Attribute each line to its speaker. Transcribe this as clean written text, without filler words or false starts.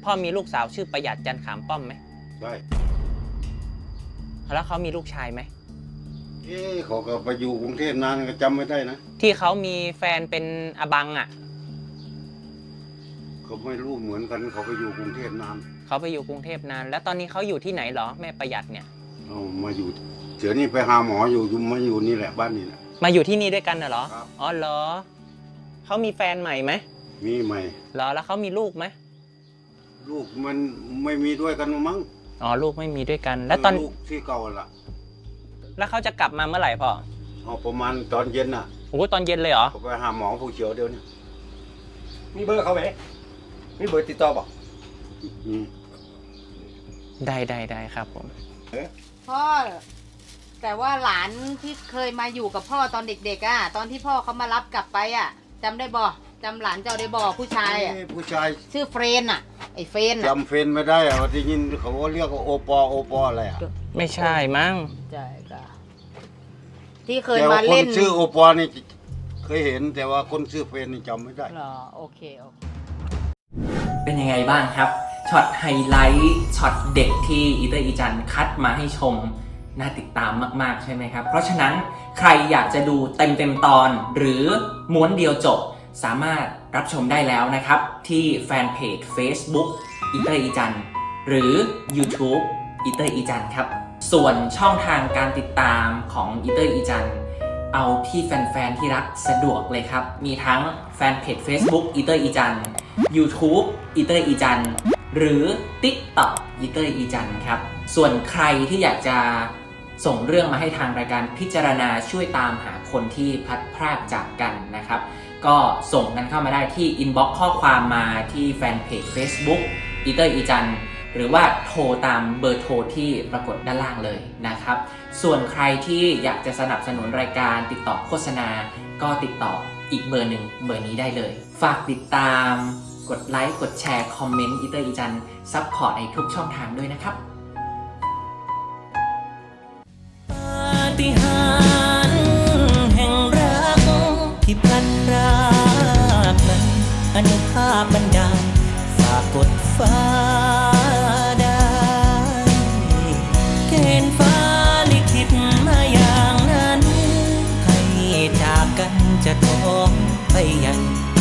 Speaker 1: พ่อมีลูกสาวชื่อประหยัดจันขามป้อมไหม
Speaker 2: ใช่
Speaker 1: แล้วเขามีลูกชายไหม
Speaker 2: เขาก็ไปอยู่กรุงเทพนานก็จำไม่ได้นะ
Speaker 1: ที่เขามีแฟนเป็นอบังอ่ะ
Speaker 2: เขาไม่รู้เหมือนกันเขาไปอยู่กรุงเทพนาน
Speaker 1: เขาไปอยู่กรุงเทพนานแล้วตอนนี้เขาอยู่ที่ไหนเหรอแม่ประหยัดเนี่ย
Speaker 2: มาอยู่เดี๋ยวนี้ไปหาหมออยู่มาอยู่นี่แหละบ้านนี่แหละ
Speaker 1: มาอยู่ที่นี่ด้วยกันเหรอ
Speaker 2: ครับ
Speaker 1: อ๋อเหรอเขามีแฟนใหม่ไหม
Speaker 2: มีใหม่
Speaker 1: เหรอแล้วเขามีลูกไหม
Speaker 2: ลูกมันไม่มีด้วยกันมั้ง
Speaker 1: อ๋อลูกไม่มีด้วยกันแล้วตอน
Speaker 2: ลูกที่เก่าล่ะ
Speaker 1: แล้วเขาจะกลับมาเมื่อไหร่พ่อ
Speaker 2: ประมาณตอนเย็นน่ะ
Speaker 1: โอ้ตอนเย็นเลยเหรอ
Speaker 2: เขาไปหาหมอผู้เขียวเดี๋ยวนี้
Speaker 3: มีเบอร์เขาไหมมีเบอร์ติดต่อบอก
Speaker 1: ได้ครับผม
Speaker 4: พ่อแต่ว่าหลานที่เคยมาอยู่กับพ่อตอนเด็กๆตอนที่พ่อเขามารับกลับไปจำได้บ่จำหลานเจ้าได้บ่ผู้ชาย
Speaker 2: ผู้ชาย
Speaker 4: ชื่อเฟรนไอ้เฟรน
Speaker 2: จำเฟรนไม่ได้ที่ยินเขาเรียกว่าโอปออะไร
Speaker 1: ไม่ใช่มั้ง
Speaker 4: ใช่ค่ะที่เคยมาเล่น
Speaker 2: ชื่อโอปอนี่เคยเห็นแต่ว่าคนชื่อเฟรนนี่จำไม่ได้
Speaker 4: หรอโอเค
Speaker 1: เป็นยังไงบ้างครับช็อตไฮไลท์ช็อตเด็กที่อีเตอร์อีจันคัดมาให้ชมน่าติดตามมากๆใช่ไหมครับเพราะฉะนั้นใครอยากจะดูเต็มตอนหรือม้วนเดียวจบสามารถรับชมได้แล้วนะครับที่แฟนเพจ Facebook อีเตอร์อีจันหรือ YouTube อีเตอร์อีจันครับส่วนช่องทางการติดตามของอีเตอร์อีจันเอาที่แฟนๆที่รักสะดวกเลยครับมีทั้งแฟนเพจ Facebook อีเตอร์อีจัน YouTube อีเตอร์อีจันหรือ TikTok อีเตอร์อีจันครับส่วนใครที่อยากจะส่งเรื่องมาให้ทางรายการพิจารณาช่วยตามหาคนที่พลัดพรากจากกันนะครับก็ส่งกันเข้ามาได้ที่อินบ็อกซ์ข้อความมาที่แฟนเพจ Facebook อีเตอร์อีจันหรือว่าโทรตามเบอร์โทรที่ปรากฏด้านล่างเลยนะครับส่วนใครที่อยากจะสนับสนุนรายการติดต่อโฆษณาก็ติดต่ออีกเบอร์หนึ่งเบอร์นี้ได้เลยฝากติดตามกดไลค์กดแชร์คอมเมนต์อีเตอร์อีจันซัพพอร์ตในทุกช่องทางด้วยนะครับปาฏิหาริย์แห่งรักที่พลัดพรากนั้นอนุภาพบันดาลฝากกดฟ้าได้เกณฑ์ฟ้าลิขิตมาอย่างนั้นให้จากกันจะท้องไปยัง